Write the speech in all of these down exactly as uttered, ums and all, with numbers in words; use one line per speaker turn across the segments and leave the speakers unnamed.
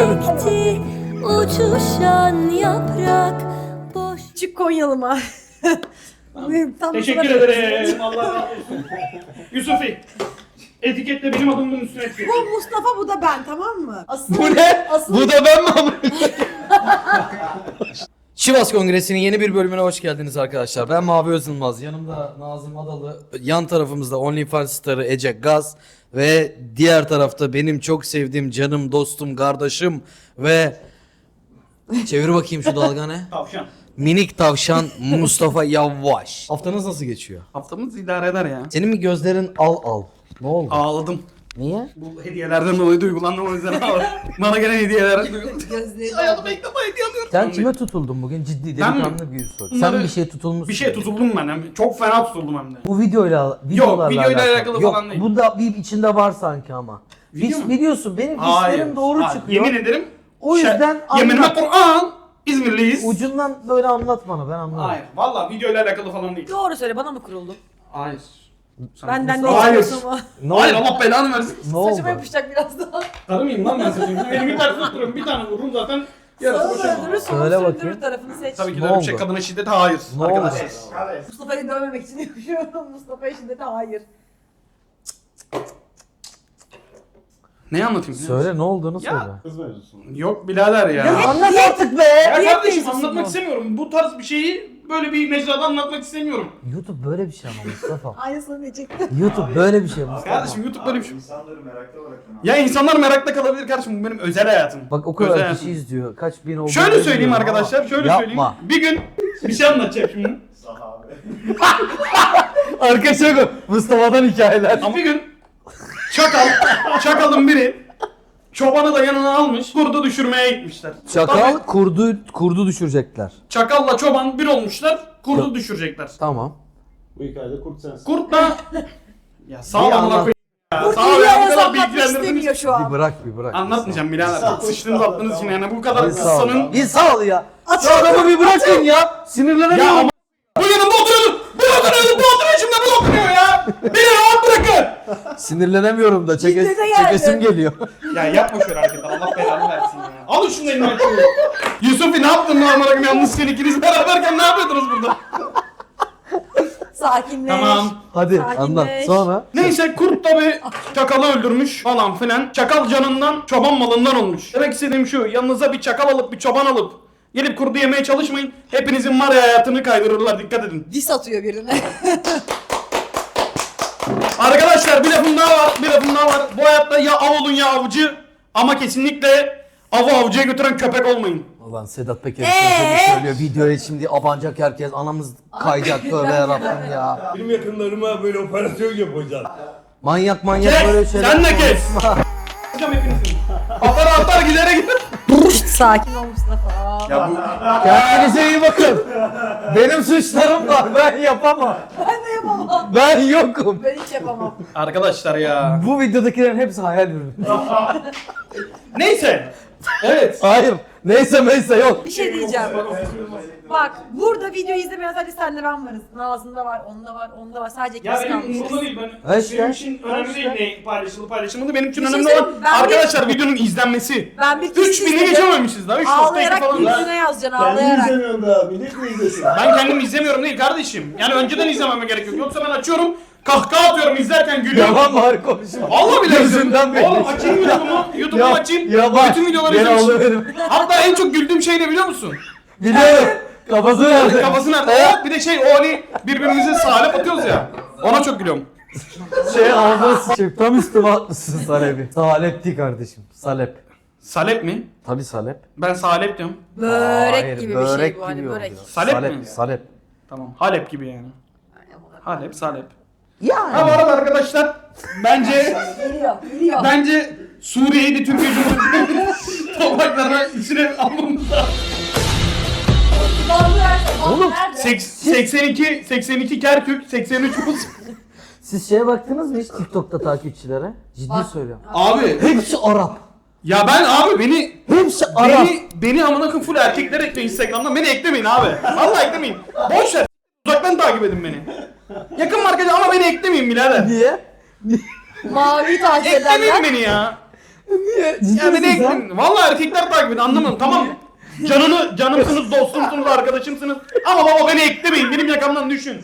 çiçekti uçuşan yaprak boş.
Küçük Konyalıma. Tam
Teşekkür ederim. Allah razı olsun. Yusufi. Etiketle benim adımın üstüne etkili.
Bu Mustafa, bu da ben, tamam mı? Asıl,
Bu ne?
Asıl...
Bu da ben mi abi? Sivas Kongresi'nin yeni bir bölümüne hoş geldiniz arkadaşlar. Ben Mavi Özılmaz. Yanımda Nazım Adalı. Yan tarafımızda OnlyFans starı Ece Gaz. Ve diğer tarafta benim çok sevdiğim canım, dostum, kardeşim ve... Çevir bakayım şu dalga ne?
Tavşan.
Minik tavşan Mustafa Yavaş. Haftanız nasıl geçiyor?
Haftamız idare eder ya.
Senin mi gözlerin al al? Ne oldu?
Ağladım.
Niye?
Bu hediyelerden dolayı duygulandım, o yüzden ağladım. Bana gelen hediyeler duygulandım.
Gözleri
Hayatımda ilk defa hediye alıyorum.
Sen kime tutuldun bugün? Ciddi
Ben mi?
delikanlı bir soru. Sen
Bunları-
bir şeye tutulmuşsun.
Bir şeye tutuldum ben. hem- Çok fena tutuldum hem de.
Bu videoyla videolarla
videoyla alakalı
Yok,
falan değil.
bunda bir içinde var sanki ama.
Video
Hiç
mu?
biliyorsun benim
Hayır.
hislerim doğru
Hayır.
çıkıyor.
Yemin ederim.
O
Şe-
yüzden
Yeminime
anlat.
Kur'an. İzmirliyiz.
Ucundan böyle anlat bana, ben anlarım.
Hayır. Valla videoyla alakalı falan değil.
Doğru söyle, bana mı kuruldun?
Hayır. Sen
Benden ne
Hayır.
istiyorsun mu?
Ne
Hayır,
oldu?
Allah belanı versin.
Ne oldu?
Saçıma yapışacak biraz daha.
Karı mıyım lan ben saçayım? Benim bir tane tuttururum, bir tane vururum zaten. Yarısı
Sağ
boşanma.
öldürür, sol
Söyle
sürdürür
bakayım.
tarafını seç.
Tabii ki
Ne
de öyle bir şey.
oldu?
Kadına şiddete hayır.
Ne
arkadaşlar.
oldu?
Mustafa'yı dövmemek için yapıyorum. Mustafa'ya şiddete hayır.
Neyi anlatayım? ya?
Söyle, ne olduğunu
Ya.
söyle.
Kız mevzusu.
Yok birader ya. Ya,
Anlat artık be.
kardeşim
mevzusu
anlatmak
bu.
istemiyorum. Bu tarz bir şeyi böyle bir mecrada anlatmak istemiyorum.
YouTube böyle bir şey ama Mustafa.
Aynısını diyecektim.
YouTube böyle bir şey Mustafa.
Kardeşim YouTube böyle bir şey.
İnsanları merakta bırakın.
Ya insanlar merakta kalabilir kardeşim, bu benim özel hayatım.
Bak o
Özel
kadar
hayatım.
kişi izliyor. Kaç bin oldu?
Şöyle söyleyeyim
bilmiyorum
arkadaşlar,
ama
şöyle
yapma.
söyleyeyim. Bir gün bir şey anlatacağım şimdi.
Sahabe.
Arkadaşlar Mustafa'dan hikayeler.
Ama bir gün çakal, çakalın biri çobanı da yanına almış, kurdu düşürmeye gitmişler.
Çakal
Tabii,
kurdu kurdu düşürecekler.
çakalla çoban bir olmuşlar, kurdu düşürecekler.
Tamam.
Bu hikayede kurt sensin.
Kurt da... Ya sağ ol
Bir
amına
anlat.
koyayım ya.
Kurt
Sağ ol
iyi
ya, bu
yalnız
kadar
anlatmak
bilgilendirdiniz.
istemiyor şu
Bir
an.
bırak bir bırak.
Anlatmayacağım birader. Sıçtınız attınız için yani bu kadar
Bir sağ ol.
kıssanın...
Bir sağ ol ya.
Aç
Şu adamı bir bırakın ya. Sinirlenemiyorum.
Ya ama bu yanımda oturuyordu. Bu oturuyordu, bu oturuyor şimdi, bu oturuyor ya. Beni rahat bırakın.
Sinirlenemiyorum da çeke,
Ciddi de geldi.
çekesim geliyor.
Ya yapma şöyle hareketi, Allah belanı versin ya. Alın şunu elinden şunu. Yusuf'i ne yaptın lan amına koyayım, yalnızken ikiniz beraberken ne yapıyordunuz burada?
Sakinleş.
Tamam.
Hadi
Sakinleş.
anlat. Sonra
Neyse kurt da bir çakalı öldürmüş falan filan. Çakal canından çoban malından olmuş. Demek istediğim şu, yanınıza bir çakal alıp bir çoban alıp gelip kurdu yemeye çalışmayın. Hepinizin var ya hayatını kaydırırlar, dikkat edin.
Dis atıyor birine.
Arkadaşlar bir lafım daha var, bir lafım daha var. Bu hayatta ya av olun ya avcı, ama kesinlikle avı avcıya götüren köpek olmayın.
ulan Sedat Peker
Ee?
ee? söylüyor. Videoya şimdi abanacak herkes. Anamız kayacak tövbe yarabbim ya.
Benim yakınlarıma böyle operasyon yapacağız.
Manyak manyak
Kes,
böyle şeyler.
sen de kes. Hocam hepinizin. Atar atar gidere gider.
Sakin ol Mustafa.
Ya bu
Kendinize iyi bakın. Benim suçlarım var. Ben yapamam.
Ben de yapamam.
Ben yokum.
Ben hiç yapamam.
arkadaşlar ya.
Bu videodakilerin hepsi hayal ürünü.
Neyse. Evet.
Hayır. Neyse neyse yok.
Bir şey diyeceğim. Bak burada videoyu izlemeyen sadece senle ben varız. Nazım'da var, onda var, onda var. Sadece
Ya
ikimiz
benim
kalmışız.
umurumda değil, ben,
Ha işte,
benim için
ha
önemli
işte.
değil ne paylaşıldı paylaşılmadı, benim için
Bir şey
önemli
söyleyeyim,
olan
ben bir-
arkadaşlar videonun izlenmesi.
Ben bir
üç bini geçememişiz daha, üç nokta iki
Ağlayarak
falan.
yüzüne yazacaksın,
Kendini
ağlayarak.
izlemiyorsun daha. Millet mi izlesin?
Ben kendim izlemiyorum değil kardeşim. Yani önceden izlememe gerek yok. Yoksa ben açıyorum, kahkaha atıyorum izlerken gülüyorum.
Yalan var konuşma.
Vallahi bile
Gözünden belli.
Oğlum açayım YouTube'umu, YouTube'umu açayım.
Ya bak.
Bütün videoları
Beni
izlemişim.
alıverim.
Hatta en çok güldüğüm şey ne biliyor musun?
Biliyorum. Kafası nerede?
Kafası nerede? Evet, bir de şey o hani birbirimize salep atıyoruz ya. Ona çok gülüyorum.
Şey ağzına sıçayım. Tam üstüme atmışsın Salep'i. Salep değil kardeşim. Salep.
Salep mi?
Tabii salep.
Ben salep diyorum.
Börek
Hayır,
gibi bir
börek
şey bu hani
gibi
börek.
oluyor.
Salep
salep
mi?
Salep.
Tamam. Halep gibi yani. Halep, salep.
Yani.
Ha bu arada arkadaşlar bence
Geliyor, geliyor.
bence Suriye'yi de Türkiye Cumhuriyeti'nin topraklarına içine almamız lazım.
Oğlum,
Seks- seksen iki seksen iki Kerkük, seksen üç Rus.
Siz şeye baktınız mı hiç TikTok'ta takipçilere? Ciddi
Bak.
söylüyorum.
Abi
Hepsi Arap.
ya ben abi beni
Hepsi Arap.
beni beni amına koyayım full erkekler ekleyin Instagram'dan, beni eklemeyin abi. Vallahi eklemeyin. Boş ver. Uzaktan takip edin beni. Yakın markacı ama beni eklemeyin birader.
Niye?
Mavi takip
Eklemeyin
edenler.
beni ya.
Niye? Ciddi
Ya beni
misin sen?
ekleyin. Vallahi erkekler takip edin anlamadım tamam mı? Canını, canımsınız, dostumsunuz, arkadaşımsınız. Ama baba beni eklemeyin. Benim yakamdan düşün.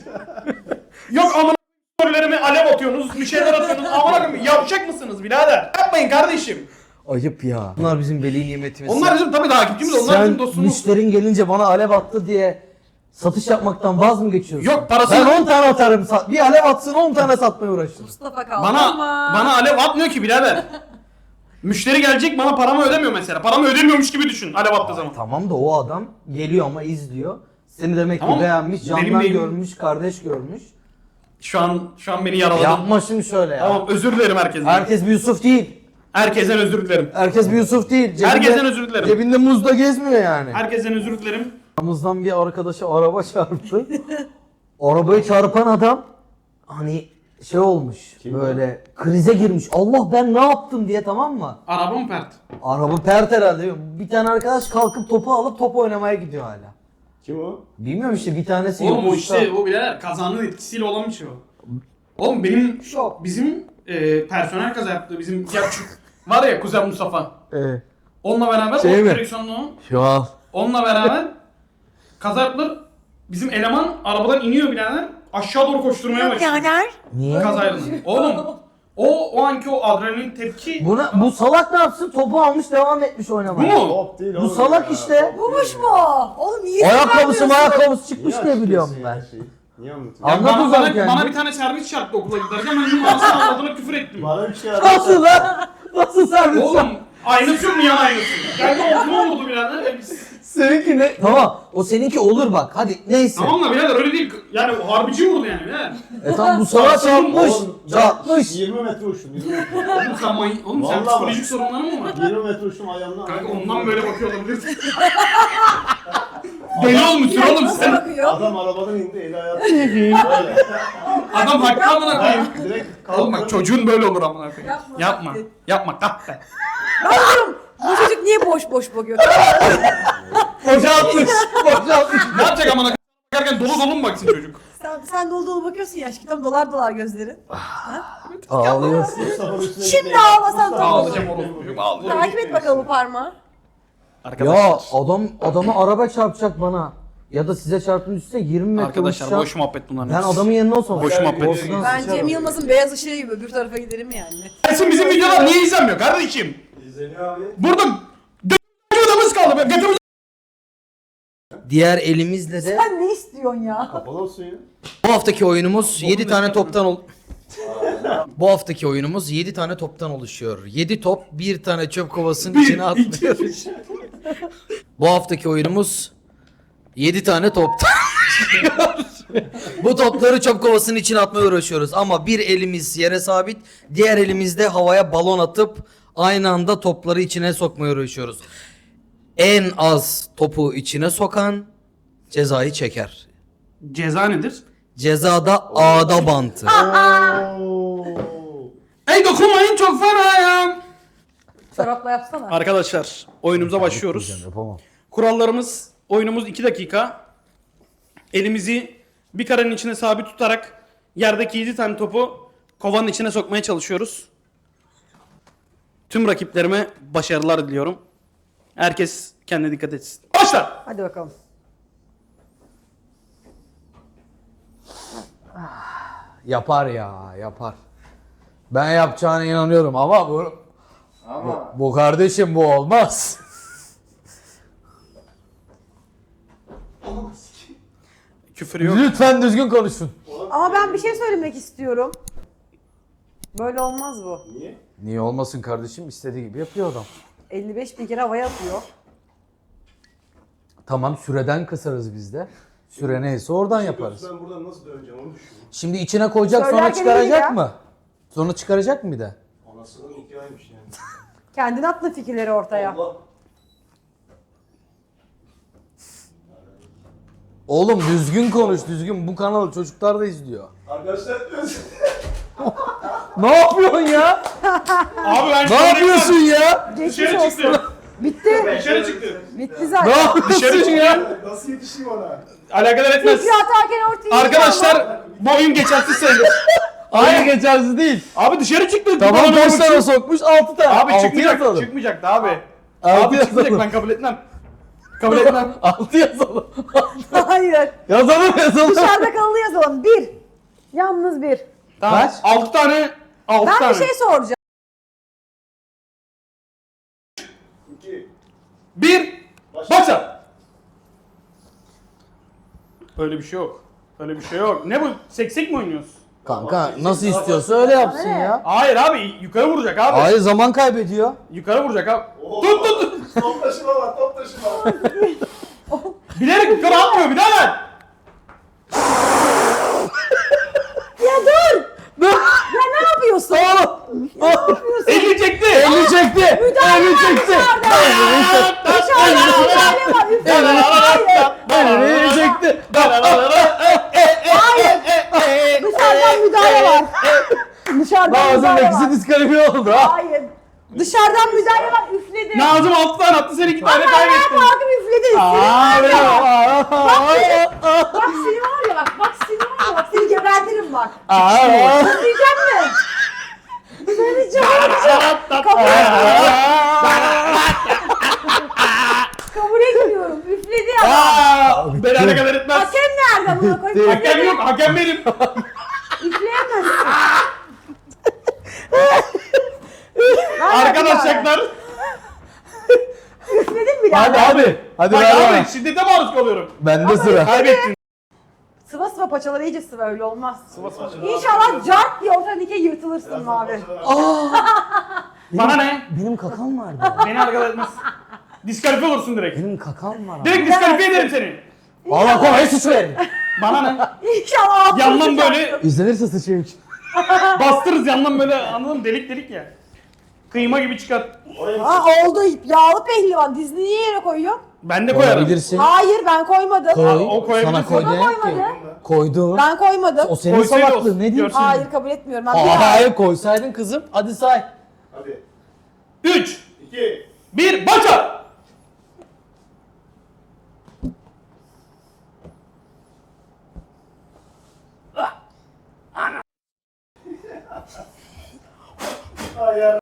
Yok amına storylerime alev atıyorsunuz, bir şeyler atıyorsunuz. Amına koyayım yavşak mısınız birader? Yapmayın kardeşim.
Ayıp ya. Bunlar bizim veli nimetimiz.
Onlar bizim tabii takipçimiz, onlar
Sen
bizim dostumuz.
müşterin gelince bana alev attı diye satış yapmaktan vaz mı geçiyorsun?
Yok, parasını-
Ben on tane atarım. Sat- Bir alev atsın on tane satmaya uğraşırım.
Mustafa kaldı
Bana
ama.
bana alev atmıyor ki birader. Müşteri gelecek bana paramı ödemiyor mesela. Paramı ödemiyormuş gibi düşün alev attığı zaman.
Tamam da o adam geliyor ama izliyor. Seni demek
Tamam.
ki beğenmiş,
Benim
candan
değil.
görmüş, kardeş görmüş.
Şu an şu an beni yaraladın.
Yapma şimdi şöyle ya.
Tamam özür dilerim herkesten.
Herkes bir Yusuf değil.
Herkesten özür dilerim.
Herkes bir Yusuf değil. Cebinde,
Herkesten özür dilerim.
Cebinde muzda gezmiyor yani.
Herkesten özür dilerim.
Aramızdan bir arkadaşa araba çarptı. Arabayı çarpan adam hani şey olmuş
Kim
böyle krize girmiş. Allah ben ne yaptım diye, tamam mı?
Araba mı pert?
Araba pert herhalde. Bir tane arkadaş kalkıp topu alıp top oynamaya gidiyor hala.
Kim o?
Bilmiyorum işte bir tanesi
Oğlum o
yokmuşsa-
işte o birader kazanın etkisiyle olan bir şey o. Oğlum benim
Şok.
bizim e, personel kaza yaptı. Bizim ya, var ya Kuzen Mustafa.
Ee,
Onunla beraber
Şey
o
mi?
direksiyonlu o.
şu an.
Onunla beraber kaza yaptılar. Bizim eleman arabadan iniyor birader. Aşağı doğru koşturmaya başlıyor.
Yaner.
Niye?
Kazayla. Oğlum o o anki o adrenalin tepki.
Buna, bu salak ne yapsın? Topu almış devam etmiş
Bu
oynamaya.
mu?
Top değil
Bu
oğlum
salak
ya.
işte.
Top
Bulmuş
değil
mu? Oğlum niye
Ayakkabısı
söylemiyorsun?
ayakkabısı
ya.
çıkmış
Niye
diye biliyorum
açıyorsun
ben.
ya şeyi? Niye anlatıyorsun?
Ya
Anlat
bana,
o zaman
bana,
kendini.
bana bir tane servis çarptı okula giderken ben onun ağzına ağzına küfür ettim.
Bana bir şey
Nasıl lan? Nasıl servis?
Oğlum aynısı yok mu yan aynısı? Geldi omzuma vurdu birader. E, biz-
Seninki ne? Tamam. O seninki olur bak. Hadi neyse.
Tamam da birader öyle değil. Yani o harbici vurdu yani birader.
E tamam bu salak çarpmış.
Oğlum,
Çarpmış.
yirmi metre uçtum. yirmi metre.
Oğlum sen, may- oğlum sen
Vallahi
psikolojik sorunların mı var?
yirmi metre uçtum ayağımdan.
Kanka ondan böyle bakıyor olabilir. Deli olmuşsun oğlum
Nasıl
sen.
bakıyor?
Adam arabadan indi eli ayağı tutuyor. Böyle.
Adam haklı amına koyayım.
Direkt
Oğlum bak
kalktı.
çocuğun böyle olur amına koyayım.
Yapma,
Yapma.
bak.
Yapma kahpe.
Bu çocuk niye boş boş bakıyor?
Boşaltmış. Boşaltmış.
Ne yapacak amına koyayım? Bakarken dolu dolu mu baksın çocuk?
sen, sen dolu dolu bakıyorsun ya. Aşkım dolar dolar gözlerin.
Ağlıyorsun.
Mustafa'nın üstüne
Şimdi
gitti.
ağlasan
Mustafa-
tamam.
Ağlayacağım oğlum. Çocuk ağlayacağım.
Takip et bakalım bu parmağı.
Ya adam adama araba çarpacak bana. Ya da size çarptığın üstüne yirmi metre
Arkadaşlar
uçacak.
boş muhabbet bunların.
Ben adamın yerine olsam.
Boş muhabbet.
Korkudan
Ben
sıçarım.
Cem Yılmaz'ın beyaz ışığı gibi öbür tarafa giderim yani.
Gelsin bizim videolar niye izlenmiyor kardeşim?
İzleniyor abi.
Burada götümüz odamız kaldı. Götümüz
Diğer elimizle de
Sen ne istiyorsun ya?
Kapalı olsun ya.
bu haftaki oyunumuz yedi tane toptan ol. Bu haftaki oyunumuz yedi tane toptan oluşuyor. yedi top bir tane çöp kovasının içine atlıyoruz. Bu haftaki oyunumuz yedi tane toptan. Bu topları çöp kovasının içine atmaya uğraşıyoruz ama bir elimiz yere sabit, diğer elimizde havaya balon atıp aynı anda topları içine sokmaya uğraşıyoruz. En az topu içine sokan cezayı çeker.
Ceza nedir?
Cezada ağda bantı.
Oo.
Ey dokunmayın çok fenayım.
Çorapla yapsana.
Arkadaşlar oyunumuza başlıyoruz.
Yapamam.
Kurallarımız oyunumuz iki dakika. Elimizi bir karenin içine sabit tutarak yerdeki yedi tane topu kovanın içine sokmaya çalışıyoruz. Tüm rakiplerime başarılar diliyorum. Herkes kendine dikkat etsin. Başla!
Hadi bakalım.
Yapar ya, yapar. Ben yapacağına inanıyorum ama bu
Ama
bu, bu kardeşim bu olmaz.
Küfür yok.
Lütfen düzgün konuşun.
Ama ben bir şey söylemek istiyorum. Böyle olmaz bu.
niye?
Niye olmasın kardeşim? İstediği gibi yapıyor adam.
elli beş bin kere havaya atıyor.
Tamam süreden kısarız biz de. Süre neyse oradan yaparız.
Ben buradan nasıl döneceğim onu düşünüyorum.
Şimdi içine koyacak sonra
Söylerken iyi ya.
çıkaracak mı? Sonra çıkaracak mı bir de?
Anasının hikayeymiş yani.
Kendin atla fikirleri ortaya.
Allah.
Oğlum düzgün konuş düzgün. Bu kanalı çocuklar da izliyor.
Arkadaşlar
Ne yapıyorsun ya?
Abi ben
Ne yapıyorsun ya?
Geçmiş
Dışarı
olsun.
çıktı.
Bitti.
Dışarı çıktı.
Bitti
Ne
zaten.
yapıyorsun ya?
nasıl yetişeyim ona?
Alakadar etmez.
Fikri atarken ortaya
Arkadaşlar bu oyun geçersiz sayılır.
Hayır geçersiz değil.
Abi dışarı çıktı.
Tamam
Bana
kaç
bir
tane
şey-
sokmuş? altı tane.
Abi
Altı
çıkmayacak.
yazalım.
Çıkmayacaktı abi.
Altı
Abi çıkmayacak,
yazalım.
ben kabul etmem. Kabul etmem.
altı yazalım.
Hayır.
Yazalım yazalım.
Dışarıda kalılı yazalım. Bir. Yalnız bir.
Tamam.
Kaç?
altı tane. altı
Ben
tane.
bir şey soracağım.
İki.
Bir.
Başla.
Başla. Öyle bir şey yok. Öyle bir şey yok. Ne bu? Seksek mi oynuyoruz?
Kanka nasıl istiyorsa öyle yapsın
Ne?
ya.
Hayır abi, yukarı vuracak abi.
Hayır zaman kaybediyor.
Yukarı vuracak abi.
Oo.
Tut tut tut.
Top taşıma var, top taşıma.
Bilerek yukarı atmıyor birader.
Ya dur! Ya ne yapıyorsun?
Oğlum.
Ne yapıyorsun?
Elini çekti.
Elini çekti.
Müdahale
Elini
var
çekti.
dışarıda. Dışarıda müdahale var. Üfleme. Hayır.
Elini çekti.
Hayır. Dışarıdan müdahale var. Dışarıdan
Nazım
müdahale
ikisi
var.
diskalifiye oldu ha.
Hayır. Dışarıdan müdahale var. Üfledi.
Nazım altı tane attı, sen iki tane
Bak ayağa
kaybettin.
kalkıp üfledi. Seni
Aa,
var ya.
aa,
Bak seni var ya bak. Bak seni var ya bak. Seni gebertirim bak.
aa.
Diyeceğim mi? Seni çağıracağım. Kabul Kabul etmiyorum. Üfledi ya.
Aa, berabere kadar etmez.
Hakem nerede buna koyayım?
Hakem yok, hakem benim.
Üfleyemezsin.
Arkadaşlar.
Üfledin bile.
Hadi abi. Hadi
Bak
ver bana.
abi, şiddete maruz kalıyorum.
Bende sıra.
Kaybettin.
Sıva sıva paçaları iyice sıva öyle olmaz. İnşallah cart diye ortadan ikiye yırtılırsın abi.
Bana ne?
Benim kakam vardı.
Beni alakadar etmez. Diskalifiye olursun direkt.
Benim kakam var.
Direkt diskalifiye ederim seni.
Allah kolay suç verin.
Bana ne?
İnşallah altını
Yandan
sıçarsın.
böyle
İzlenirse sıçayım.
bastırırız, yandan böyle, anladın mı? Delik delik ya. Kıyma gibi çıkar.
Ha oldu yağlı pehlivan. Dizini niye yere koyuyor?
Ben de koyarım.
Koyabilirsin.
Hayır ben koymadım.
Koy.
o koyabilirsin.
Sana koy
O da
demek ki.
koymadı.
Koydu.
Ben koymadım.
O senin
Koysaydı
salaklığın
olsun,
ne diyeyim?
görsün.
Hayır kabul etmiyorum. Ben bir
Aa,
daha-
hayır koysaydın kızım. Hadi say.
Hadi.
Üç,
İki.
bir, başla.
Hayır.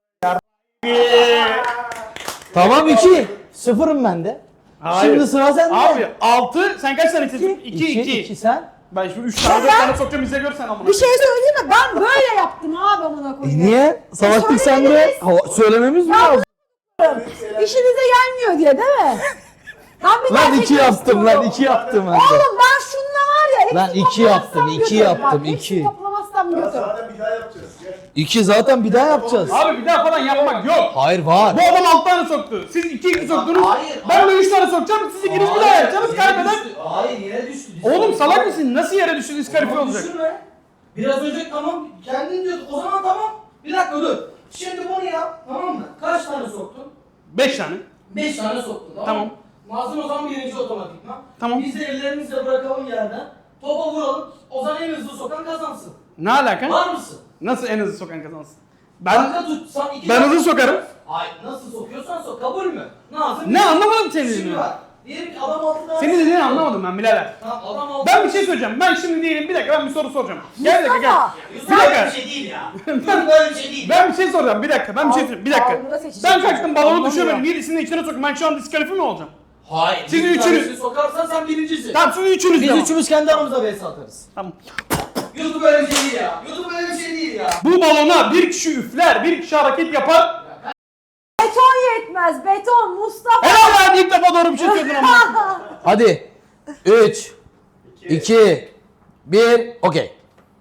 Tamam iki. Sıfırım ben de.
Hayır.
Şimdi sıra sende.
Abi altı, sen kaç tane istedin? İki,
İki,
iki.
iki sen.
Ben şimdi üç tane, dört tane sokacağım, izle gör sen amına.
Bir şey söyleyeyim mi? Ben böyle yaptım abi amına
E
koyayım.
niye? Savaştık sen de.
söylemediniz.
Hava- Söylememiz mi lazım?
İşinize gelmiyor diye değil mi? Ben bir daha
Lan iki
çekmek
yaptım lan
istiyorum.
iki yaptım ben de.
Oğlum ben şununla var ya hepsini
Lan iki
toplamazsam
yaptım, iki
götür.
yaptım,
Bak, hepsini
iki.
toplamazsam
Ya
götür.
zaten bir daha yapacağız. Gel.
İki zaten bir daha yapacağız.
Abi bir daha falan yapmak yok.
Hayır var.
Bu adam altı tane soktu. Siz iki iki soktunuz.
Hayır,
Ben de üç tane sokacağım. Siz ikiniz bir daha yapacaksınız kaybeden.
Hayır yere düştü.
Oğlum salak mısın? Nasıl yere düştü, diskalifiye olacak?
Düşürme. Biraz önce tamam kendin diyordun. O zaman tamam. Bir dakika dur. Şimdi bunu yap. Tamam mı? Kaç tane soktun?
Beş tane.
Beş tane soktun. Tamam.
Tamam.
mı? Nazım o zaman birinci otomatikman.
Tamam.
Biz de ellerimizle bırakalım yerden. Topa vuralım. O zaman en hızlı sokan kazansın.
Ne alaka?
Var mısın?
Nasıl en hızlı sokan kazansın?
Ben
Ben
tut. Sen iki
ben
tane-
hızlı sokarım.
Hayır nasıl sokuyorsan sok. Kabul mü? Nazım.
Ne anlamadım senin
Şimdi
dediğini.
bak. Diyelim ki adam altı tane.
Senin dediğini anlamadım ben birader.
Tamam adam altı
Ben bir şey söyleyeceğim. Ben şimdi diyelim bir dakika ben bir soru soracağım. Gel bir dakika gel.
Mustafa.
Yusuf
Bir
böyle
dakika.
bir şey değil ya. Yusuf böyle bir şey değil.
Ben bir şey soracağım. Bir dakika. Ben bir şey söyleyeyim. Bir dakika.
Algıda seçecek
Ben
çocuk.
kaçtım balonu
Anlamıyor.
düşürmedim. Birisini de içine soktum. Ben şu an diskalifiye mi olacağım?
Hayır.
Siz
bir
üçünüz-
tanesini sokarsan sen birincisin.
Tamam siz üçünüz
Biz
devam.
üçümüz kendi aramızda vs atarız.
Tamam.
YouTube böyle bir şey değil ya. YouTube böyle bir şey değil ya.
Bu balona bir kişi üfler, bir kişi hareket yapar.
Beton yetmez. Beton Mustafa.
Helal lan ilk defa doğru bir şey söyledin ama.
Hadi. üç, iki, bir, okey.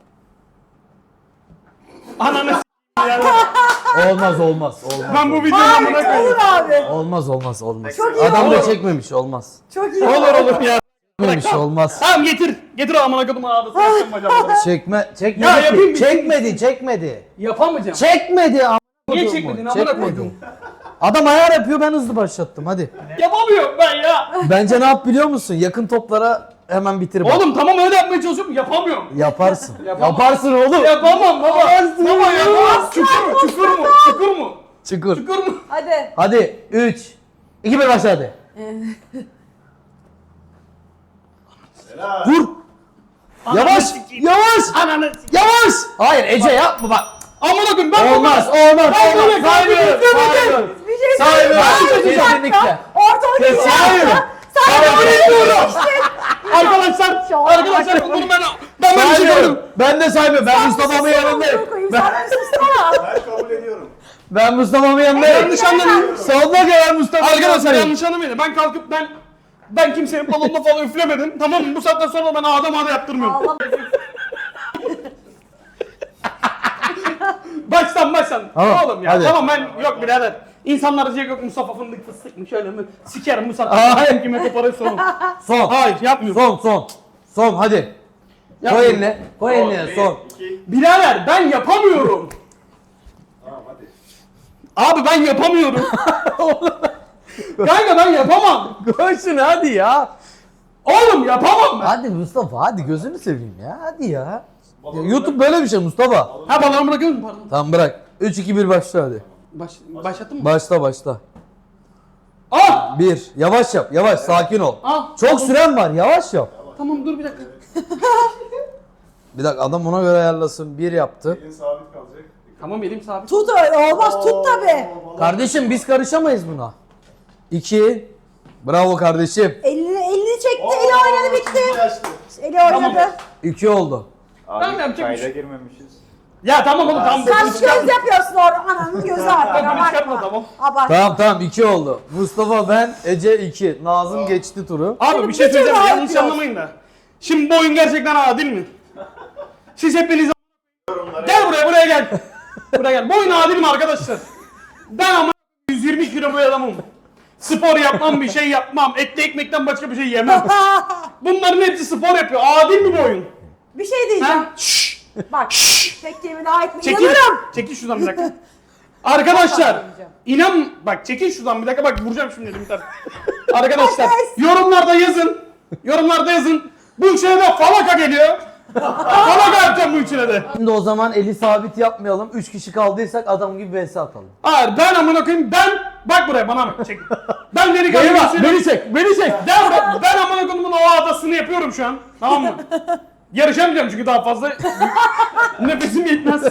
Ananı s*** ya.
Olmaz olmaz olmaz.
Ben bu videoyu amına
Hayır olur
koyayım.
abi.
Olmaz olmaz olmaz.
Çok iyi
Adam da
olur.
çekmemiş olmaz.
Çok iyi.
Olur olur ya.
Çekmemiş olmaz.
Tamam getir. Getir o amına koydum ağrısı.
Çekme çekmedi
Ya yapayım
ki.
bir-
Çekmedi çekmedi.
Yapamayacağım.
Çekmedi a**.
Niye
koyduğumu.
çekmedin amına koydum?
Adam ayar yapıyor ben hızlı başlattım hadi.
Yapamıyorum ben ya.
Bence ne yap biliyor musun? Yakın toplara hemen bitir bak.
Oğlum tamam öyle yapmaya çalışıyorum. Yapamıyorum.
Yaparsın.
Yapamam.
Yaparsın oğlum.
Yapamam baba.
Yaparsın.
Baba yapamam. Çukur mu? Çukur mu? Çukur mu?
Çukur.
Çukur mu?
Hadi.
Hadi üç, iki, bir başla hadi.
Helal.
Vur. Yavaş,
sikeyim.
yavaş,
Ananı sikeyim.
yavaş. Hayır Ece yapma bak.
Amına koyayım ben
Olmaz,
bunu-
olmaz,
Ben
olmaz.
böyle
Saymıyorum, saymıyorum.
Bir şey
Saymıyorum.
söyleyeyim. Bir dakika.
Kesinlikle.
Ortalık
Kes,
geçiyor.
saymıyorum.
Sen kabul ediyorum.
Arkadaşlar,
Şu an
arkadaşlar
arkadaşlar.
bunu ben ben böyle bir şey
Saymıyorum.
gördüm.
Ben de saymıyorum. Ben Mustafa'mın yanındayım. Ben,
Sen susana.
Ben kabul ediyorum.
ben Mustafa'mın yanındayım.
Yanlış anlamayın.
Sonuna kadar Mustafa'nın
Arkadaşlar
yanındayım.
yanlış anlamayın. Ben kalkıp ben ben kimsenin balonuna falan üflemedim. Tamam mı? Bu saatten sonra ben ağda mağda yaptırmıyorum.
Allah.
Baştan baştan.
Tamam,
Oğlum ya
hadi.
tamam ben yok birader. İnsanlar diyecek yok Mustafa fındık fıstık mı şöyle mi? Sikerim bu saatten
Hayır.
sonra kime koparıyorsun.
Son.
Hayır yapmıyorum.
Son, son. Son hadi. Koy
Yapmıyorum.
eline. Koy eline son.
iki.
Birader ben yapamıyorum.
Tamam hadi.
Abi ben yapamıyorum. Kanka ben yapamam.
Koy şunu hadi ya.
Oğlum yapamam ben.
Hadi Mustafa hadi gözünü seveyim ya. Hadi ya. Ya YouTube böyle bir şey Mustafa.
Ha balonu bırakıyor musun? Pardon.
Tamam bırak. üç iki bir başla hadi.
Baş, başlattın mı?
Başla başla.
Ah!
bir. Yavaş yap. Yavaş sakin ol.
Ah!
Çok süren var. Yavaş yap.
Tamam dur bir dakika.
Bir dakika adam ona göre ayarlasın. bir yaptı.
Elin sabit kalacak.
Tamam elim sabit.
Tut öyle olmaz tut tabi.
Kardeşim biz karışamayız buna. iki. Bravo kardeşim.
Elini, elini çekti,
Oo,
eli oynadı bitti.
şimdi açtı.
Eli oynadı.
iki oldu.
Ben de yapacak bir
kayda
şey.
girmemişiz.
Ya tamam oğlum tamam.
Sen
Bunu çıkartma.
göz yapıyorsun orada. Ananın gözü artık.
Bunu çıkartma,
Abartma.
tamam.
Abartma.
Tamam tamam iki oldu. Mustafa ben Ece iki. Nazım geçti turu.
Abi bir şey
bir türlü
söyleyeceğim yanlış
yapıyor.
anlamayın da. Şimdi bu oyun gerçekten adil mi? Siz hepiniz gel buraya buraya gel. Buraya gel. Bu oyun adil mi arkadaşlar? Ben ama yüz yirmi kilo bir adamım. Spor yapmam, bir şey yapmam. Etli ekmekten başka bir şey yemem. Bunların hepsi spor yapıyor. Adil mi bu oyun?
Bir şey diyeceğim.
Ha? Şşş.
Bak. Tek kelimeyle ait mi?
Çekil.
İnanırım.
Çekil şuradan bir dakika. Arkadaşlar inan bak çekil şuradan bir dakika bak vuracağım şimdi elim ters. Arkadaşlar yorumlarda yazın. Yorumlarda yazın. Bu üçüne de falaka geliyor. Falaka yapacağım bu üçüne de.
Şimdi o zaman eli sabit yapmayalım. üç kişi kaldıysak adam gibi vs atalım.
Hayır ben amına koyayım ben bak buraya bana bak çek. Ben delikanlı
Beni bak,
birisiyim.
beni çek, beni çek.
Ben, ben, ben amına koyduğumun o adasını yapıyorum şu an. Tamam mı? Yarışamayacağım çünkü daha fazla nefesim yetmez.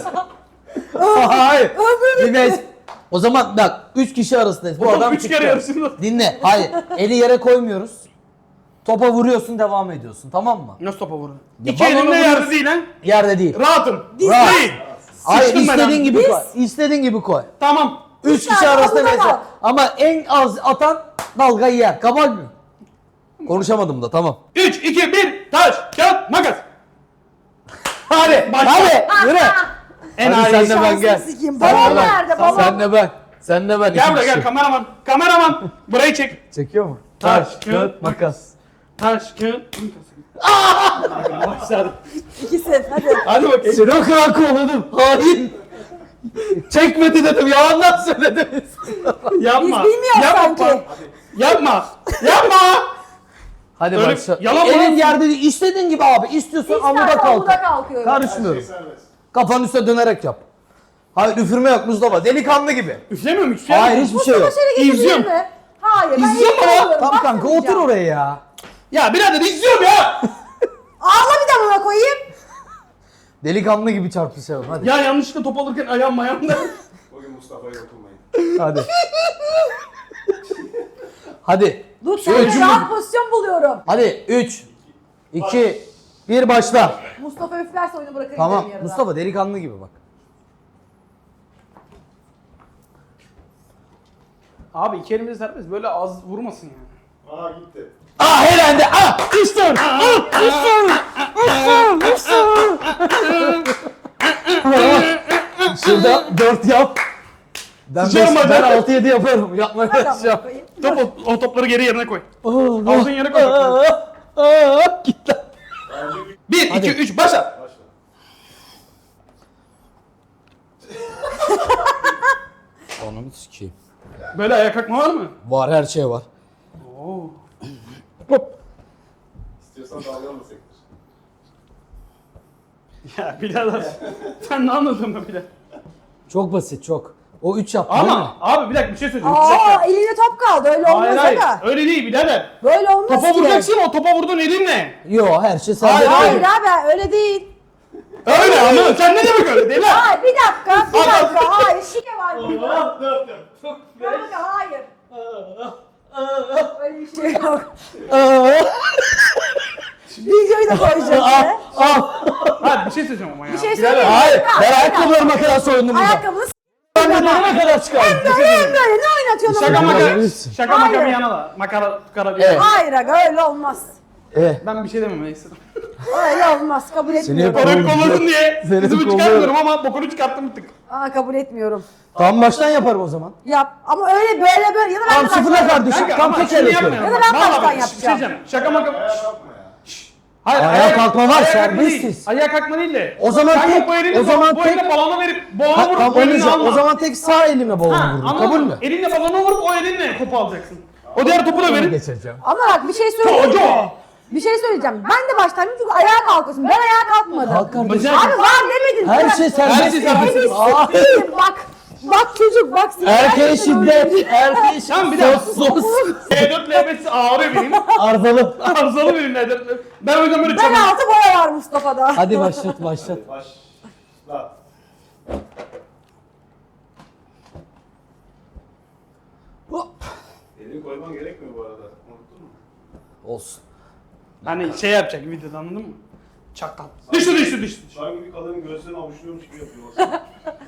Hayır. Bir vs. O zaman bak üç kişi arasındayız. Bu
Oğlum,
adam
üç
çıktı.
kere yarışıldı.
Dinle. Hayır. Eli yere koymuyoruz. Topa vuruyorsun devam ediyorsun tamam mı?
Nasıl topa vurdu?
Ya
İki
balonu
elimde
vuruyorsun.
yerde değil lan.
Yerde değil.
Rahatım.
Rahat.
Değil.
Hayır
Sıçtım ben
istediğin
abi.
gibi koy. İstediğin gibi koy.
Tamam.
Üç kişi
tane
arasında
avuda
vs.
kal.
Ama en az atan dalgayı yer. Kabul mü? Konuşamadım da tamam.
üç, iki, bir, taş, kağıt, makas.
Hadi.
Başla.
Hadi. Yürü.
En
Hadi sen de
ağır.
ben gel.
Sikeyim.
Sen
Balon
de ben.
nerede? Balon.
Sen de ben. Sen de ben.
Gel
İki
buraya gel
kişi.
kameraman. Kameraman. Burayı çek.
Çekiyor mu?
Taş,
Taş,
kağıt,
kağıt, makas.
Taş, kağıt, makas. Başladı.
İkisi. Hadi.
Hadi bakayım.
Seni o kadar kovaladım. Hain. Çekmedi dedim. Yalandan söyledim.
Yapma.
Biz bilmiyoruz
Yapma.
sanki.
Yapma. Yapma.
Hadi
Öyle-
başla.
yalan
Elin
mı?
yerde değil. İstediğin gibi abi. İstiyorsan
İster
amuda kalk.
amuda kalkıyorum.
Her
Karışmıyorum.
şey serbest.
Kafanın üstüne dönerek yap. Hayır üfürme yok Mustafa. Delikanlı gibi.
Üflemiyorum hiçbir şey.
Hayır
yapmıyorum.
hiçbir şey yok.
Mustafa şöyle geçebilir
İzliyorum.
mi? Hayır. Ben
İzliyorum
elimi
ama.
alıyorum.
Tamam kanka otur
Bakmayacağım.
oraya ya.
Ya birader izliyorum ya.
Ağla bir de buna koyayım.
Delikanlı gibi çarpışalım hadi.
Ya yanlışlıkla top alırken ayağım ayağımda.
Bugün Mustafa'ya dokunmayın.
Hadi. Hadi.
Dur sen rahat pozisyon buluyorum.
Hadi üç, iki, bir başla.
Mustafa üflerse oyunu bırakır
Tamam.
giderim yarıda.
Mustafa delikanlı gibi bak.
Abi iki elimde serbest böyle az vurmasın yani.
Aa gitti.
Ah elendi. Ah üstün. Şurada dört yap. Ben,
Sıçarım
beş, ben
hadi.
altı yedi yaparım. Yapmaya
Hadi
çalışacağım.
amına koyayım.
Top, o, o topları geri yerine koy.
Ağzın
Ağzın yere koy.
Git lan.
Bence bir
Bir,
Hadi.
iki, üç, başla.
başla.
Ananı sikeyim.
Böyle ayağa kalkma var mı?
Var her şey var.
Oo.
İstiyorsan dalgalı sektir.
Ya birader. Sen ne anladın mı bile?
Çok basit çok. O üç yaptı değil mi?
Ama abi bir dakika bir şey söyleyeceğim. Bir
Aa
dakika.
elinde top kaldı öyle olmaz
Hayır hayır.
ama.
Öyle değil birader.
Böyle olmaz
Topa
ki.
vuracaksın, o topa vurdun elinle.
Yo, her şey sende.
Hayır,
Hayır abi öyle değil.
Öyle ama sen ne demek öyle değil lan?
Hayır bir dakika bir
Adam-
dakika hayır şike var burada. Kanka hayır. Öyle bir şey yok. Videoyu da koyacağız yine.
Hayır bir şey söyleyeceğim ama ya.
Bir şey
Birader,
söyleyeyim.
Hayır,
Bir
ben
dakika.
ayakkabılarıma kadar soyundum burada.
Ayakkabını s***.
Ben de bana kadar çıkardım.
Böyle hem böyle ne oynatıyorsun?
Şaka
onu?
maka.
Bilirsin.
Şaka
Hayır.
maka bir yana da. Makara tukara bir
Evet.
yana.
Hayır aga öyle olmaz.
Eh.
Ben bir şey demem neyse.
Öyle olmaz kabul etmiyorum.
hep-
Orayı kolladın diye.
Seni
Kızımı
kolluyorum.
çıkarmıyorum ama bokunu çıkarttım bir tık.
Aa kabul etmiyorum.
Tam baştan yaparım o zaman.
Yap ama öyle böyle böyle ya da ben
Tam
de
sıfırla
baştan
kardeşim.
Kanka
Tam
ama
tek
şunu
el
yapmayalım.
yapıyorum.
Ya da ben
Vallahi
baştan
bak, bir şey
yapacağım.
diyeceğim. Şaka maka.
Ayağa kalkma ya.
Hayır,
Ayağa kalkma var,
ayağa kalkma değil.
serbestiz.
Ayağa kalkma değil de.
O zaman
Kanka
tek-
bu elinle,
o zaman
bu
tek-
elinle balona verip balona
Ha,
vurup
tamam
bu elinle
oynayacağım.
alma.
O zaman tek sağ elimle balonu
Ha,
vururum.
anladın
Kabul
mı?
mü?
Elinle balona vurup o elinle topu alacaksın. O diğer topu da verin.
Geçeceğim.
Ama bak bir şey söyleyeyim
Çocuğu.
mi? Bir şey söyleyeceğim. Ben de baştan çünkü ayağa kalkıyorsun. Ben ayağa kalkmadım.
Kalk kardeşim.
Bacak-
Abi var demedin.
Her
Bırak.
şey serbest.
Her şey serbest.
Beni
Aa.
s**eyim bak. Bak çocuk bak.
Erkeğe
Gerçekten öyle.
şiddet. Erkeğe şiddet.
Tamam bir daha.
Sos sos.
E dört L beş ağrıyor benim.
Arzalı.
Arızalı benim L dört. Ben o yüzden böyle
Ben
çabuk.
altı boya var Mustafa'da.
Hadi başlat başlat.
Başla.
Hop.
Elini koyman gerekmiyor bu arada. Unuttun mu?
Olsun.
Hani şey yapacak videoda anladın mı? Çakal. Düştü düştü düştü.
Sanki bir kadının göğsünü avuçluyormuş gibi yapıyor.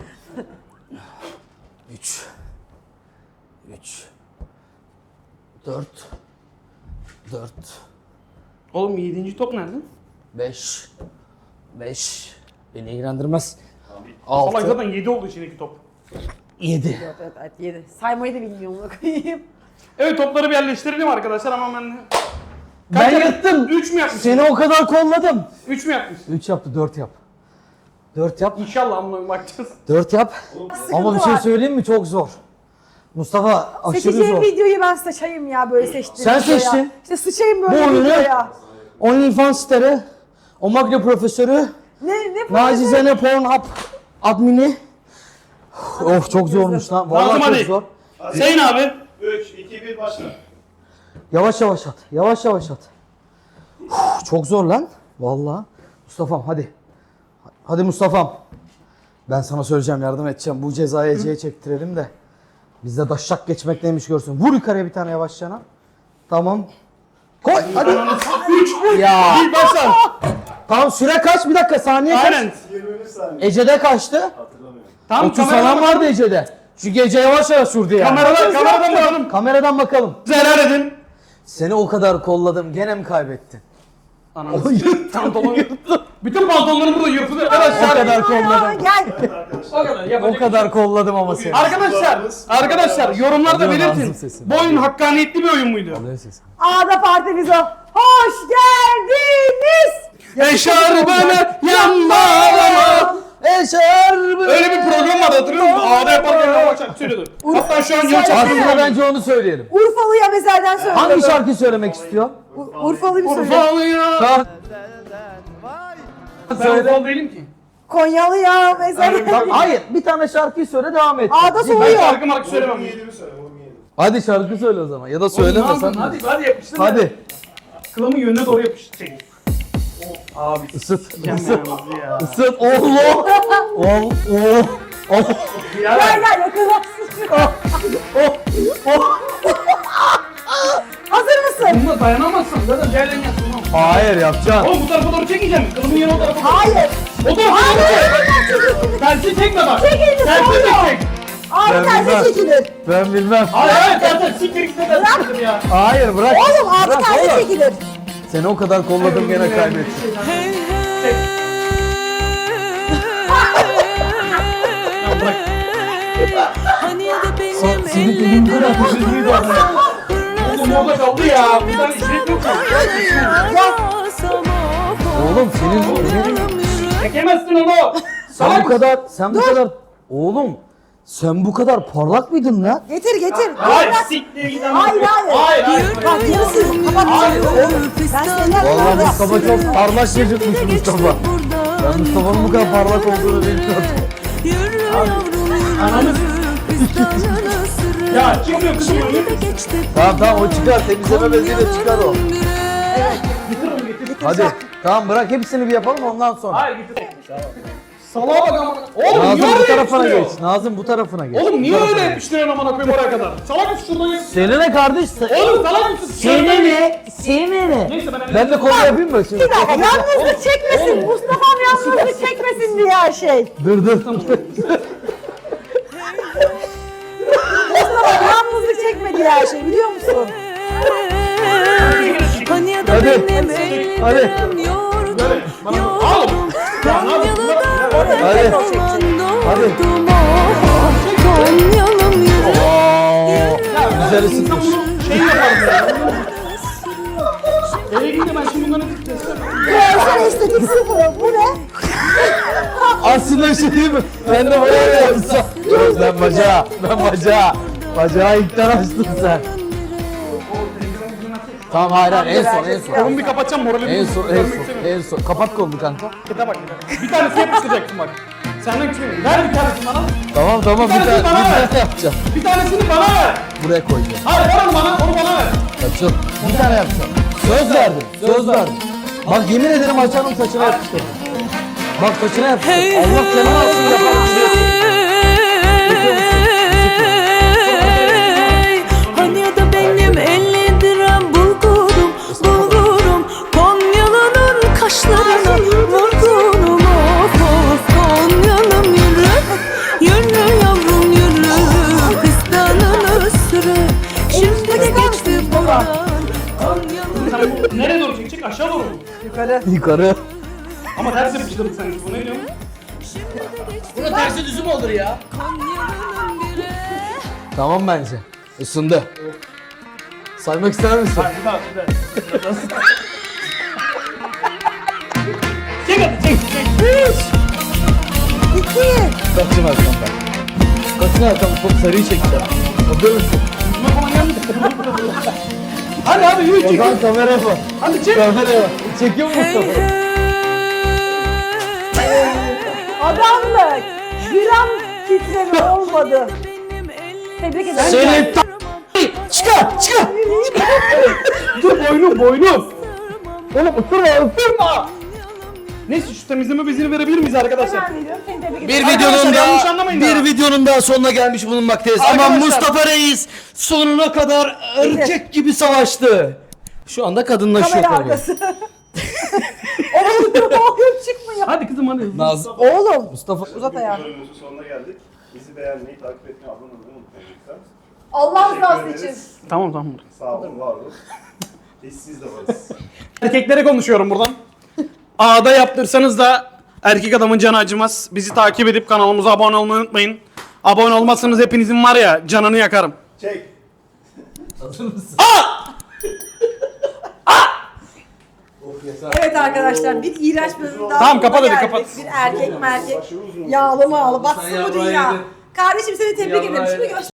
Üç. Üç. Dört. Dört.
Oğlum yedinci top nerede?
Beş. Beş. Beni ilgilendirmez.
Salak
Altı.
zaten yedi oldu içindeki top.
Yedi.
Evet evet evet yedi. Saymayı da bilmiyorum onu koyayım.
Evet topları bir yerleştirelim arkadaşlar ama ben...
Ben
Kaç
yattım.
üç mü yapmışsın?
Seni o kadar kolladım.
üç mü yapmışsın?
Üç yaptı, dört yap. Dört yap.
İnşallah amına bakacağız.
Dört yap. Ama bir şey
var.
söyleyeyim mi? Çok zor. Mustafa aşırı
Seçeceğim
zor.
videoyu ben sıçayım ya böyle seçtim.
Sen
videoya.
seçtin.
İşte sıçayım
Bu
böyle
oyunu
videoya.
OnlyFans starı, Omagna profesörü,
Ne ne
Nacizane Pornhub admini. Of çok zormuş lan. Vallahi
Lazım
çok
hadi.
zor.
Hüseyin abi.
üç, iki, bir başla.
Yavaş yavaş at. Yavaş yavaş at. Uf, çok zor lan. Vallahi. Mustafa'm hadi. Hadi Mustafa'm. Ben sana söyleyeceğim, yardım edeceğim. Bu cezayı Ece'ye çektirelim de. Bizde daşşak geçmek neymiş görsün. Vur yukarıya bir tane yavaşçana. Tamam. Koy hadi.
üç.
Ya.
Bir başla.
Tamam süre kaç? Bir dakika saniye kaç?
Aynen.
yirmi bir saniye.
Ece'de kaçtı?
Hatırlamıyorum.
Tam
otuz falan vardı Ece'de. Çünkü Ece yavaş yavaş sürdü yani.
Kameradan, kameradan bakalım.
Kameradan bakalım.
Helal edin.
Seni o kadar kolladım, gene mi kaybettin?
Ananı pantolon yırttı. Bütün pantolonlarım burada yırtıldı.
O
Arkadaşlar.
kadar kolladım.
Gel.
O kadar.
O kadar kolladım ama seni.
Arkadaşlar, arkadaşlar yorumlarda
Alıyorum ağzım
belirtin.
sesini.
Bu oyun hakkaniyetli bir oyun muydu?
Ağda partimiz o. Hoş geldiniz.
Eşarbını yanmalama.
Eşerbı.
Öyle bir program vardı hatırlıyor musun? Ağda yaparken hava şarkı söylüyordu. Hatta şu an yıl
Aslında
çakıyor.
bence onu söyleyelim.
Urfalı'ya mezelden söylüyorum.
Hangi şarkıyı söylemek istiyor?
U- Urfalı bir söyle.
Urfalı'ya.
Tamam.
Ben Urfalı değilim ki.
Konyalı'ya mezelden.
Hayır, bir tane şarkıyı söyle, devam et.
Ağda
Ben
soğuyor.
şarkı markı söylemem.
Vurgun yedimi söyle, vurgun yedimi.
Hadi şarkı söyle o zaman. Ya da söyleme sen.
Hadi hadi yapıştır.
Hadi.
Kılamın yönüne doğru yapıştır. Çekil. Abi
Isıt.
s**eceğim
Isıt.
yalnız ya.
Isıt. Allah. Oh. Oh. Oh.
Ya
Gel gel yakınlaşsın. Hazır mısın?
bunda dayanamazsın. Zaten diğerlerini yapsın.
Hayır yapacaksın.
Oğlum bu tarafa doğru çekeceğim. Kılımın yanı o tarafa doğru.
Hayır.
O tarafa doğru çek. Tersi çekme bak.
Çek elini,
Tersi
soğuyor.
çek.
Abi
Ben
tersi
bilmem.
çekilir.
Ben bilmem.
Hayır hayır tersi siktir gitme tersi ya.
Hayır bırak.
Oğlum abi
Bırak
tersi
oğlum.
çekilir.
Seni o kadar kolladım gene kaybettim.
Çek. Ya bırak.
Hani ya da benim
Senin elin bırak. Üzülmeyi de oraya.
Oğlum orada kaldı ya. Bir tane işlet yok mu?
Oğlum senin senin
Çekemezsin onu.
sen bu kadar sen bu kadar oğlum sen bu kadar parlak mıydın lan?
Getir getir.
Hayır siktir git ama.
Hayır, hayır.
Hayır hayır.
Bak yarısı kapatacağım. Oğlum ben senden
Vallahi
sonra
Mustafa çok parlak çocukmuş Mustafa. Ben Mustafa'nın bu kadar parlak olduğunu bilmiyordum.
Yürü yavrum yürü.
Ananı
Fistanın ısırı.
Ya çıkmıyor kızım
Şimdi
öyle.
de geçti.
Tamam tamam o çıkar, temizleme beziyle çıkar o. Hadi tamam bırak hepsini bir yapalım ondan sonra.
Hayır getir. Salağa bak ama. Oğlum
Nazım
niye
bu
öyle
tarafına
yapıştırıyor?
geç. Nazım bu tarafına geç.
Oğlum niye
Bu tarafına
öyle
geç.
yapıştırıyorsun amına koyayım oraya kadar? Salak mısın şuradan ya?
Seni ne kardeş?
Oğlum salak mısın?
Seni ne? Seni ne?
Neyse ben
Ben de kolu yapayım mı şimdi?
Bir dakika yalnızlık çekmesin. Mustafa'm yalnızlık çekmesin diye her şey.
Dur dur.
Mustafa'm yalnızlık çekme diye her şey biliyor musun?
Hani ya da
Hadi.
benim
Hadi.
ellerim yordum.
Böyle. Bana oğlum. Ya ne yapıyorsun?
Hadi. Hadi.
Konyalım yürü.
Güzel ısıtmış.
İnsan bunu şey yaparım ya. Eve gidince ben şimdi bunları test
Sen estetik sıfırı. Bu ne?
Aslında bir şey değil mi? Ben de bayağı yapsam. Ben bacağı. Ben bacağı. Bacağı ilkten açtın sen. Tamam hayır hayır en son en son.
Kolumu bir kapatacağım moralimi.
En son en son en son. Kapat kolunu kanka.
Kete bak. Bir tanesi yapıştıracaksın bak. Senden küçük. Ver bir tanesini bana.
Tamam tamam bir
Bir
tane bir
tanesini bana ver.
tane yapacağım.
Bir tanesini bana ver.
Buraya koyacağım.
Hayır ver onu bana. Onu bana ver.
Açıl. Bir tane yapacağım. Söz verdim. Söz verdim. Bak yemin ederim açarım saçına yapıştırdım. Bak saçına yapıştırdım. Allah canını alsın yaparım.
Hani ya da benim elli dirhem bulgurum, bulgurum. Konyalı'nın kaşlarına vurgunum. Of of Konyalım yürü, yürü yavrum yürü. Fistanın ısırı, şimdi de geçti boran. Konyalım
Sen bu nereye doğru çekecek? Aşağı doğru mu?
Yukarı.
Yukarı.
Ama ters yapıştırdık sen. Bu ne diyorsun?
Bunun tersi düzüm olur ya.
Konyalım biri.
Tamam bence. Isındı. Saymak ister misin?
Hayır bir daha bir daha. Çek hadi çek çek.
İki.
Kaçın arkam ben. Kaçın arkam. Çok sarıyı çekeceğim. Hazır mısın?
Yüzüme falan geldi. Hadi hadi yürü
O
çek.
zaman kameraya bak.
Hadi çek.
Kameraya bak. Çekiyor mu Mustafa?
Adamlık. Gram titreme olmadı. Tebrik ederim.
Seni t***. Çıkar çıkar.
Dur boynum boynum. Oğlum ısırma ısırma. Neyse şu temizleme bezini verebilir miyiz arkadaşlar?
Ben veriyorum, seni tebrik ederim.
Bir
Arkadaşlar,
videonun
yanlış
daha
anlamayın
bir
ya.
videonun daha sonuna gelmiş bulunmaktayız. Ama
Arkadaşlar-
Mustafa Reis sonuna kadar erkek gibi savaştı. Şu anda kadınlaşıyor
Kamera
tabii.
arkası. Oğlum oğlum çıkmıyor.
Hadi kızım hadi.
Naz
Oğlum.
Mustafa
Uzat ayağını.
Bölümümüzün sonuna geldik. Bizi beğenmeyi, takip etmeyi, abone olmayı unutmayın lütfen.
Allah
Teşekkür
rızası için.
ederiz.
Tamam tamam.
Sağ olun, var olun. Biz siz de varız.
Erkeklere konuşuyorum buradan. A'da yaptırsanız da erkek adamın canı acımaz. Bizi takip edip kanalımıza abone olmayı unutmayın. Abone olmazsanız hepinizin var ya canını yakarım.
Çek.
hazır mısın?
Evet arkadaşlar bir iğrenç bölüm daha.
Tamam, kapat hadi,
geldik.
kapat.
Bir erkek merkek. Yağlı mağlı batsın bu
yarrağı
dünya.
yedin.
Kardeşim seni tebrik
Yarrağı
ederim. Şimdi
yedin.
göster.